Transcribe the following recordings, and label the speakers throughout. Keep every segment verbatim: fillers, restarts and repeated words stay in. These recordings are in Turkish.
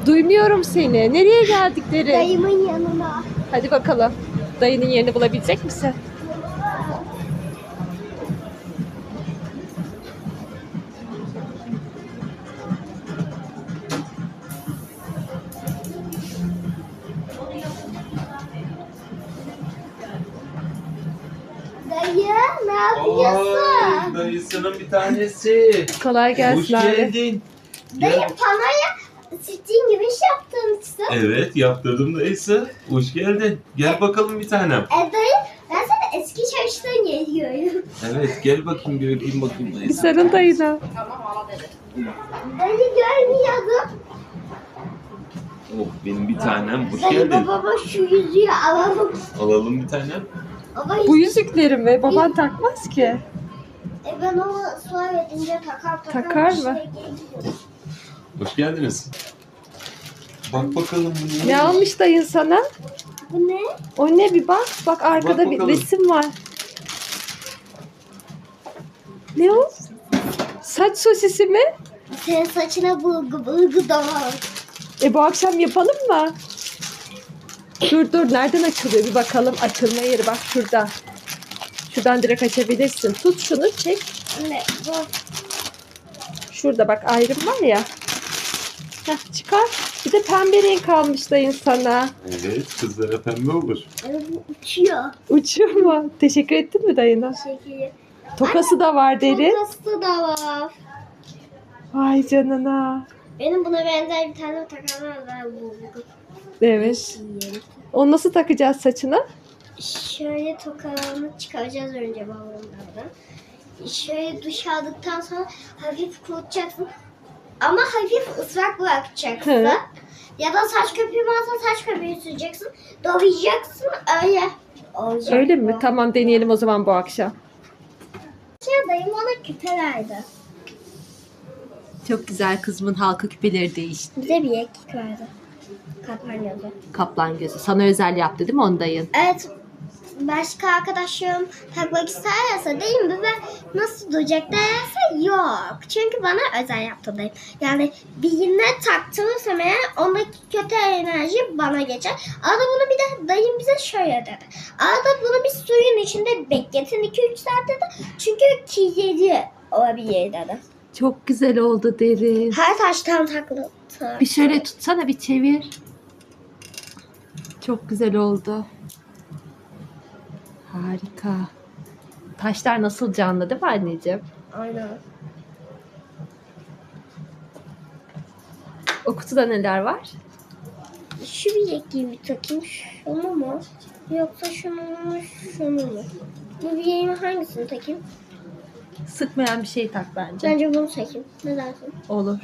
Speaker 1: Duymuyorum seni. Nereye geldikleri?
Speaker 2: Dayımın yanına.
Speaker 1: Hadi bakalım. Dayının yerini bulabilecek misin?
Speaker 2: Dayı ne yapıyorsun?
Speaker 3: Ay, dayısının bir tanesi.
Speaker 1: Kolay gelsin
Speaker 3: Hoş
Speaker 1: abi.
Speaker 3: geldin.
Speaker 2: Dayı
Speaker 3: Gel.
Speaker 2: panoya sittiğin gibi iş yaptırmışsın.
Speaker 3: Evet, yaptırdım dayısı. Hoş geldin. Gel bakalım bir tanem.
Speaker 2: E dayı ben sana eski çalıştığın yeri görüyorum.
Speaker 3: Evet, gel bakayım bir öpeyim bakayım
Speaker 1: Bir
Speaker 3: dayısı.
Speaker 1: sarıl dayına.
Speaker 2: Dayı görmüyordum.
Speaker 3: Oh, benim bir tanem. Hoş
Speaker 2: Dayı
Speaker 3: geldin.
Speaker 2: babama şu yüzüğü alalım.
Speaker 3: Alalım bir tanem.
Speaker 2: Baba
Speaker 1: Bu yüzükleri mi? Baban takmaz ki.
Speaker 2: E ben onu sonra edince takar takar.
Speaker 1: Takar
Speaker 2: bir
Speaker 1: mı?
Speaker 2: şey geliyor.
Speaker 3: Hoş geldiniz. Bak bakalım bu
Speaker 1: Ne almış dayın sana?
Speaker 2: Bu ne?
Speaker 1: O ne bir bak. Bak arkada
Speaker 3: Bak
Speaker 1: bir
Speaker 3: bakalım.
Speaker 1: resim var. Ne o? Saç sosisi mi?
Speaker 2: Senin saçına bulgu bulgu da var.
Speaker 1: E bu akşam yapalım mı? Dur dur nereden açılıyor bir bakalım. Açılma yeri bak şurada. Şuradan direkt açabilirsin. Tut şunu çek.
Speaker 2: Ne bu?
Speaker 1: Şurada bak ayrım var ya. Heh, çıkar. Bir de pembe renk almış dayın sana.
Speaker 3: Evet, kızlara pembe olur.
Speaker 2: E, bu uçuyor.
Speaker 1: Uçuyor mu? Teşekkür ettin mi dayına?
Speaker 2: Şekili.
Speaker 1: Tokası da var deri.
Speaker 2: Tokası da var.
Speaker 1: Vay canına.
Speaker 2: Benim buna benzer bir tane takamam var bulgu.
Speaker 1: Evet. Onu nasıl takacağız saçına?
Speaker 2: Şöyle tokalarını çıkaracağız önce balonlardan. Şöyle duş aldıktan sonra hafif kurutacaksın. Ama hafif ıslak bırakacaksın.
Speaker 1: Hı.
Speaker 2: Ya da saç köpüğü varsa saç köpüğü süreceksin. Dolayıcaksın öyle olacak.
Speaker 1: Öyle mi?
Speaker 2: bu.
Speaker 1: Tamam deneyelim o zaman bu akşam.
Speaker 2: Şey, dayım ona küpe verdi.
Speaker 1: Çok güzel kızımın halka küpeleri değişti.
Speaker 2: Bize bir ekik verdi. Kapanıyordu.
Speaker 1: Kaplan gözü. Sana özel yaptı değil mi onu dayın?
Speaker 2: Evet. Başka arkadaşlarım takmak isterse değil mi? Ben nasıl duracak derse yok. Çünkü bana özel yaptı dayım. Yani birine taktırırsam eğer ondaki kötü enerji bana geçer. Arada bunu bir de dayım bize şöyle dedi. Arada bunu bir suyun içinde bekletin iki üç saat dedi. Çünkü kirli olabilir dedi.
Speaker 1: Çok güzel oldu derin.
Speaker 2: Her taştan taklı.
Speaker 1: Bir şöyle tutsana bir çevir. Çok güzel oldu. Harika. Taşlar nasıl canlı değil mi anneciğim?
Speaker 2: Aynen.
Speaker 1: O kutuda neler var?
Speaker 2: Şu bilekliği bir takayım. Şunu mu? Yoksa şunu mu? Şunu mu? Bu bileğime hangisini takayım?
Speaker 1: Sıkmayan bir şey tak bence.
Speaker 2: Bence bunu takayım. Ne dersin?
Speaker 1: Olur.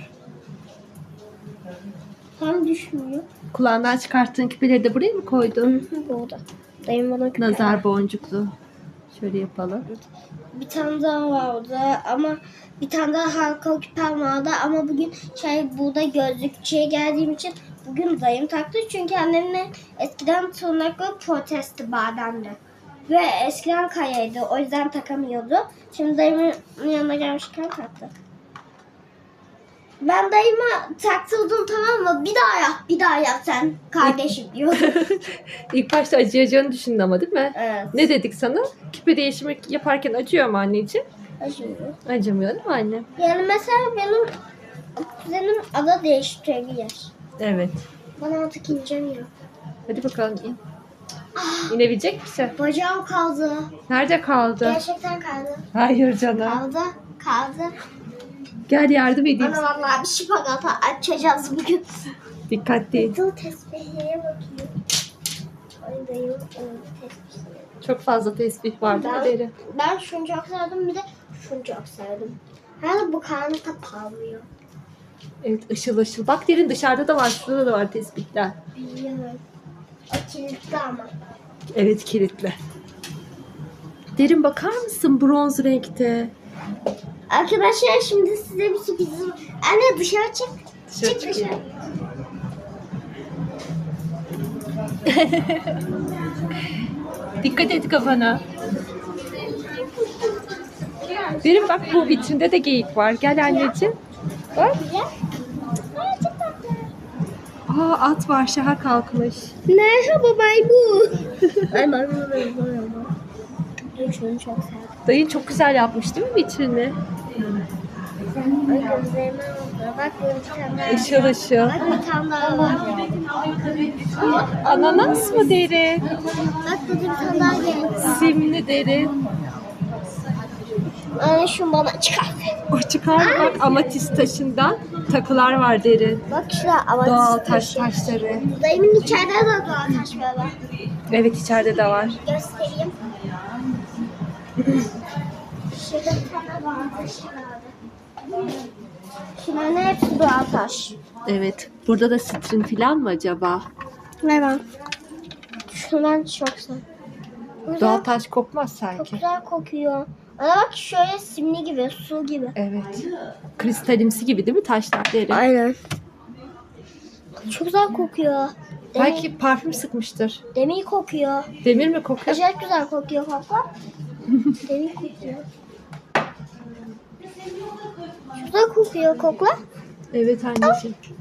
Speaker 2: Tam düşmüyor.
Speaker 1: Kulağından çıkarttığın küpeleri de buraya mı koydun?
Speaker 2: Burada. Dayım bana küpe
Speaker 1: Nazar
Speaker 2: verdi.
Speaker 1: boncuklu. Şöyle yapalım.
Speaker 2: Bir tane daha vardı ama bir tane daha halka küpem vardı ama bugün şey burada gözlükçüye geldiğim için bugün dayım taktı çünkü annemle eskiden tırnakları protesti bademdi. Ve eskiden kayaydı o yüzden takamıyordu. Şimdi dayımın yanına gelmişken taktı. Ben dayıma taktırdım tamam mı? Bir daha yap, bir daha yap sen kardeşim diyor.
Speaker 1: İlk başta acıyacağını düşündü ama değil mi?
Speaker 2: Evet.
Speaker 1: Ne dedik sana? Küpe değişimi yaparken acıyor mu anneciğim?
Speaker 2: Acıyor.
Speaker 1: Acımıyor değil mi anne?
Speaker 2: Yani mesela benim kuzenim ada değiştirebilir.
Speaker 1: Evet.
Speaker 2: Bana artık ineceğim.
Speaker 1: Hadi bakalım in. İnebilecek misin?
Speaker 2: Bacağım kaldı.
Speaker 1: Nerede kaldı?
Speaker 2: Gerçekten kaldı.
Speaker 1: Hayır canım.
Speaker 2: Kaldı. Kaldı.
Speaker 1: Gel yardım edeyim.
Speaker 2: Bana vallahi bir şipagat açacağız bugün.
Speaker 1: Dikkatli.
Speaker 2: Dur tesbihiye bakıyor. Ay dayım tesbihiye.
Speaker 1: Çok fazla tesbih var değil mi
Speaker 2: Ben,
Speaker 1: Deri?
Speaker 2: ben şunu çok sevdim bir de şunu çok sevdim. Herhalde bu karnı da parlıyor.
Speaker 1: Evet ışıl ışıl. Bak Derin dışarıda da var. Şurada da var tesbihler.
Speaker 2: Biliyorum. O kilitli ama.
Speaker 1: Evet kilitli. Derin bakar mısın bronz renkte?
Speaker 2: Arkadaşlar şimdi size bir sürprizim. Anne dışarı çık.
Speaker 1: Dışarı
Speaker 2: çık
Speaker 1: çıkayım.
Speaker 2: dışarı.
Speaker 1: Dikkat et kafana. Derin bak bu vitrinde de geyik var. Gel anneciğim. Bak.
Speaker 2: Güzel. Ay çok tatlı.
Speaker 1: Aa, at var, şaha kalkmış.
Speaker 2: Merhaba maymun. Ay maymun maymun. Şunu çok sevdim.
Speaker 1: Dayın çok güzel yapmış değil mi vitrini?
Speaker 2: Ay gözlerime oldu. Bak burada bir tane daha.
Speaker 1: Işıl ışıl.
Speaker 2: Bak bir tane daha var.
Speaker 1: Ananas mı derin?
Speaker 2: Bak burada bir tane daha geldi.
Speaker 1: Simli derin.
Speaker 2: Anne şunu bana çıkar.
Speaker 1: O çıkar bak, amatist taşından takılar var derin.
Speaker 2: Bak şurada ama
Speaker 1: Doğal taş taşları.
Speaker 2: Dayımın içeride de doğal taş var. Bak.
Speaker 1: Evet, içeride de var.
Speaker 2: Göstereyim. Şurada bir tane doğal taş vardı. Şunların hepsi doğal taş.
Speaker 1: Evet. Burada da sitrin falan mı acaba?
Speaker 2: Ver bak. Şundan çok güzel. Güzel,
Speaker 1: Doğal taş kokmaz
Speaker 2: çok
Speaker 1: sanki.
Speaker 2: güzel kokuyor. Ana bak şöyle simli gibi, su gibi.
Speaker 1: Evet. Kristalimsi gibi değil mi taşlar derin?
Speaker 2: Aynen. Çok güzel kokuyor. Demir,
Speaker 1: Belki parfüm sıkmıştır.
Speaker 2: demir kokuyor.
Speaker 1: Demir mi kokuyor?
Speaker 2: Acayip güzel kokuyor kokla. Demir kokuyor. Çok güzel kokuyor kokla.
Speaker 1: Evet anneciğim.